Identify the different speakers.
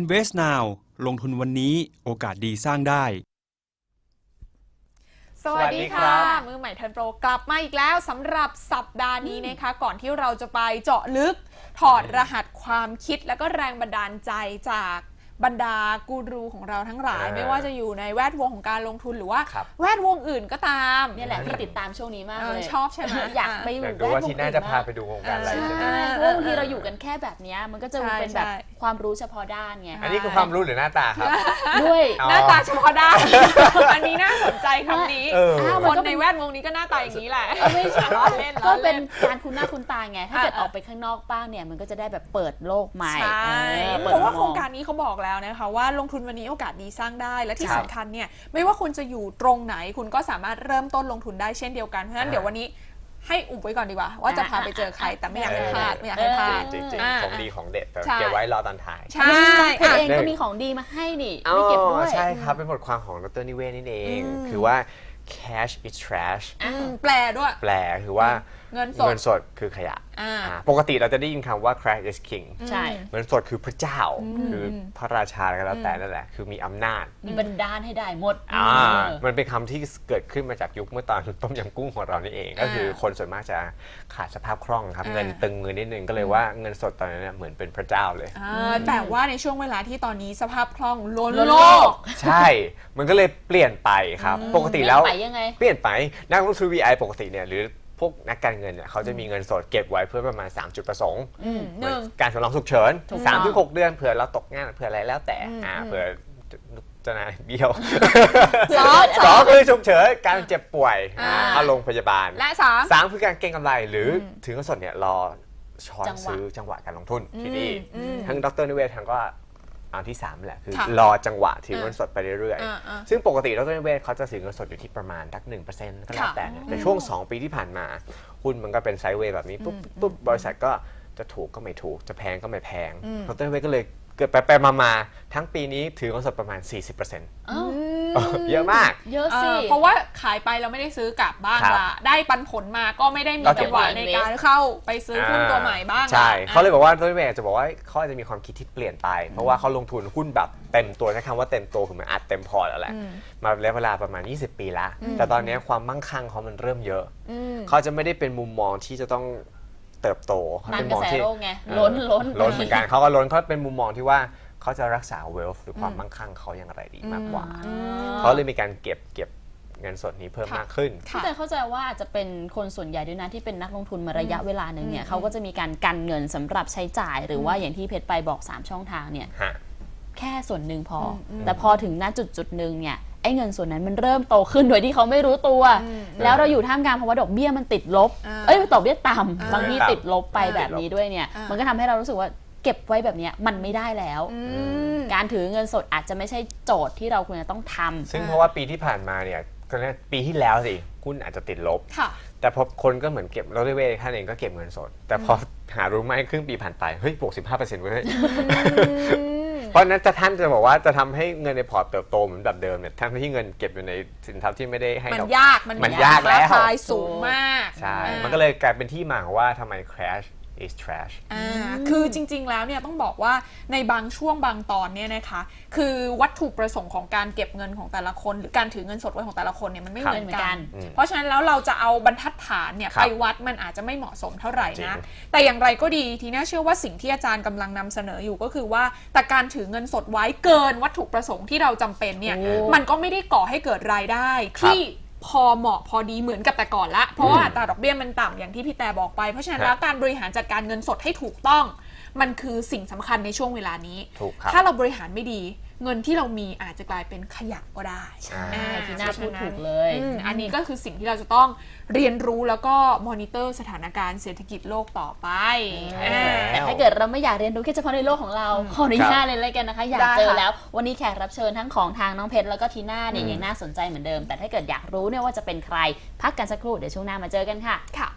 Speaker 1: Invest Now ลงทุนวันนี้โอกาสดีสร้างได้
Speaker 2: สวัสดีค่ะมือใหม่ทันโปรกลับมาอีกแล้วสำหรับสัปดาห์นี้นะคะก่อนที่เราจะไปเจาะลึกถอดรหัสความคิดและก็แรงบันดาลใจจากบรรดากูรูของเราทั้งหลายไม่ว่าจะอยู่ในแวดวงของการลงทุนหรือว่าแวดวงอื่นก็ตาม
Speaker 3: นี่แหละที่ติดตามช่วงนี้มากเลย
Speaker 2: ชอบใช่ไหม
Speaker 3: อยากไปอยู่
Speaker 4: แวดวงอื่นว่าที่น่าจะพาไปดูวงการอะไรใช่ไหม
Speaker 3: เพราะบางทีเราอยู่กันแค่แบบนี้มันก็จะเป็นแบบความรู้เฉพาะด้านไง
Speaker 4: อันนี้คือความรู้หรือหน้าตาครับ
Speaker 3: ด้วย
Speaker 2: หน้าตาเฉพาะด้านอันนี้น่าสนใจคำนี้คนในแวดวงนี้ก็หน้าตาอย่างนี้แหละ
Speaker 3: ไม่ใช่ก็เป็นการคุ้นหน้าคุ้นตาไงถ้าเกิดออกไปข้างนอกบ้างเนี่ยมันก็จะได้แบบเปิดโลกใหม่
Speaker 2: เพราะว่าโครงการนี้เขาบอกแล้วนะคะว่าลงทุนวันนี้โอกาสดีสร้างได้และที่สำคัญเนี่ยไม่ว่าคุณจะอยู่ตรงไหนคุณก็สามารถเริ่มต้นลงทุนได้เช่นเดียวกันเพราะฉะนั้นเดี๋ยววันนี้ให้อุบไว้ก่อนดีกว่าว่าจะพาไปเจอใครแต่ไม่อยากให้พลาดไม่อยากให้พลาด
Speaker 4: จริงๆของดีของเด็ดแต่เก็บไว้รอตอนท้าย
Speaker 2: ใช่
Speaker 3: คุณเองก็มีของดีมาให้นี่ไม่เก็บด้วย
Speaker 4: ใช่ครับเป็นบทความของดร.นิเวศนี่เองคือว่า cash is trash
Speaker 2: แปลด้วย
Speaker 4: แปลคือว่า
Speaker 2: เงิน
Speaker 4: สดคือขยะปกติเราจะได้ยินคำว่า cash is king
Speaker 3: ใช่
Speaker 4: เงินสดคือพระเจ้าคือพระราชาก็แล้วแต่นั่นแหละคือมีอำนาจ
Speaker 3: มีบันดาลให้ได้หมด
Speaker 4: มันเป็นคำที่เกิดขึ้นมาจากยุคเมื่อตอนต้มยำกุ้งของเรานี่เองก็คือคนส่วนมากจะขาดสภาพคล่องครับเงินตึงมือนิดนึงก็เลยว่าเงินสดตอนนั้นเหมือนเป็นพระเจ้าเลย
Speaker 2: แต่ว่าในช่วงเวลาที่ตอนนี้สภาพคล่องล้นโลก
Speaker 4: ใช่มันก็เลยเปลี่ยนไปครับปกติแล้วเปลี่ยนไปนักลงทุน VI ปกติเนี่ยหรือพวกนักการเงินเนี่ยเขาจะมีเงินสดเก็บไว้เพื่อประมาณ3จุดประสงค์การสำรองฉุกเฉิน 3-6 เดือนเผื่อเราตกงานเผื่ออะไรแล้วแต่เผื่อจะนายเบี้ยวสองคือฉุกเฉินการเจ็บป่วยเข้าโรงพยาบาล
Speaker 2: และ
Speaker 4: สามคือการเก็งกำไรหรือถือเงินสดเนี่ยรอช้อนซื้อจังหวะการลงทุนที่นี่ทั้งดร.นิเวศทั้งก็อันที่3แหละคือรอจังหวะถือเงินสดไปเรื่อยๆซึ่งปกติดร.นิเวศเขาจะถือเงินสดอยู่ที่ประมาณสัก 1% ก็แล้วแต่ช่วง2ปีที่ผ่านมาหุ้นมันก็เป็นไซด์เวย์แบบนี้ปุ๊บบริษัทก็จะถูกก็ไม่ถูกจะแพงก็ไม่แพงดร.นิเวศก็เลยเกิดไปมาทั้งปีนี้ถือเงินสดประมาณ 40%เยอะมาก
Speaker 3: เยอะสิ
Speaker 2: เพราะว่าขายไปเราไม่ได้ซื้อกลับบ้างละได้ปันผลมาก็ไม่ได้มีจังหวะในการเข้าไปซื้อหุ้นตัวใหม่บ้าง
Speaker 4: ใช่เขาเลยบอกว่าดร.นิเวศจะบอกว่าเขาอาจจะมีความคิดที่เปลี่ยนไปเพราะว่าเขาลงทุนหุ้นแบบเต็มตัวใช้คำว่าเต็มตัวคือมันอัดเต็มพอร์ตแล้วแหละมาระยะเวลาประมาณ20 ปีละแต่ตอนนี้ความมั่งคั่งเขามันเริ่มเยอะเขาจะไม่ได้เป็นมุมมองที่จะต้องเติบโต
Speaker 3: เขาเป็นมองที่ล้น
Speaker 4: เหมือนกันเขาก็ล้นเขาเป็นมุมมองที่ว่าเขาจะรักษา wealth หรือความมั่งคั่งเขาอย่างไรดีมากกว่าเขาเลยมีการเก็บเงินสดนี้เพิ่มมากขึ้น
Speaker 3: แต่เข้าใจว่าอาจจะเป็นคนส่วนใหญ่ด้วยนะที่เป็นนักลงทุนมาระยะเวลาหนึ่งเนี่ยเขาก็จะมีการกันเงินสำหรับใช้จ่ายหรือว่าอย่างที่เพชรไปบอก3ช่องทางเนี่ยแค่ส่วนหนึ่งพอแต่พอถึงณจุดหนึ่งเนี่ยไอ้เงินส่วนนั้นมันเริ่มโตขึ้นโดยที่เขาไม่รู้ตัวแล้วเราอยู่ท่ามกลางภาวะดอกเบี้ยมันติดลบดอกเบี้ยต่ำบางทีติดลบไปแบบนี้ด้วยเนี่ยมันก็ทำให้เรารู้สึกว่าเก็บไว้แบบนี้มันไม่ได้แล้วการถือเงินสดอาจจะไม่ใช่โจทย์ที่เราควรจะต้องทำ
Speaker 4: ซึ่งเพราะว่าปีที่ผ่านมาเนี่ยปีที่แล้วสิหุ้นอาจจะติดลบแต่พอคนก็เหมือนเก็บเราด้วยเวท่านเองก็เก็บเงินสดแต่พอหารู้ไหมครึ่งปีผ่านไปเฮ้ยบวก 15% เว้ยเพราะนั้นท่านจะบอกว่าจะทำให้เงินในพอร์ตเติบโตเหมือนแบบเดิมเนี่ยทั้งที่เงินเก็บอยู่ในสินทรัพย์ที่ไม่ได้ให้
Speaker 2: มันยากแล้วราคาสูงมาก
Speaker 4: ใช่มันก็เลยกลายเป็นที่มาของว่าทำไม crash is trash
Speaker 2: คือจริงๆแล้วเนี่ยต้องบอกว่าในบางช่วงบางตอนเนี่ยนะคะคือวัตถุประสงค์ของการเก็บเงินของแต่ละคนหรือการถือเงินสดไว้ของแต่ละคนเนี่ยมันไม่เหมือนกันเพราะฉะนั้นแล้วเราจะเอาบรรทัดฐานเนี่ยไปวัดมันอาจจะไม่เหมาะสมเท่าไหร่นะแต่อย่างไรก็ดีทีน่าเชื่อว่าสิ่งที่อาจารย์กำลังนำเสนออยู่ก็คือว่าแต่การถือเงินสดไว้เกินวัตถุประสงค์ที่เราจำเป็นเนี่ยมันก็ไม่ได้ก่อให้เกิดรายได้ที่พอเหมาะพอดีเหมือนกับแต่ก่อนละเพราะว่าอัตราดอกเบี้ยมันต่ำอย่างที่พี่แต่บอกไปเพราะฉะนั้นแล้วการบริหารจัดการเงินสดให้ถูกต้องมันคือสิ่งสำคัญในช่วงเวลานี้ถ้าเราบริหารไม่ดีเงินที่เรามีอาจจะกลายเป็นขยะก็ได้
Speaker 3: ที่น่าพูดถูกเลย
Speaker 2: อันนี้ก็คือสิ่งที่เราจะต้องเรียนรู้แล้วก็มอนิเตอร์สถานการณ์เศรษฐกิจโลกต่อไป
Speaker 3: แต่ถ้าเกิดเราไม่อยากเรียนรู้แค่เฉพาะในโลกของเราขออนุญาตเลยกันนะคะอยากเจอแล้ววันนี้แขกรับเชิญทั้งของทางน้องเพชรแล้วก็ทีน่าเนี่ยยังน่าสนใจเหมือนเดิมแต่ถ้าเกิดอยากรู้เนี่ยว่าจะเป็นใครพักกันสักครู่เดี๋ยวช่วงหน้ามาเจอกันค่ะ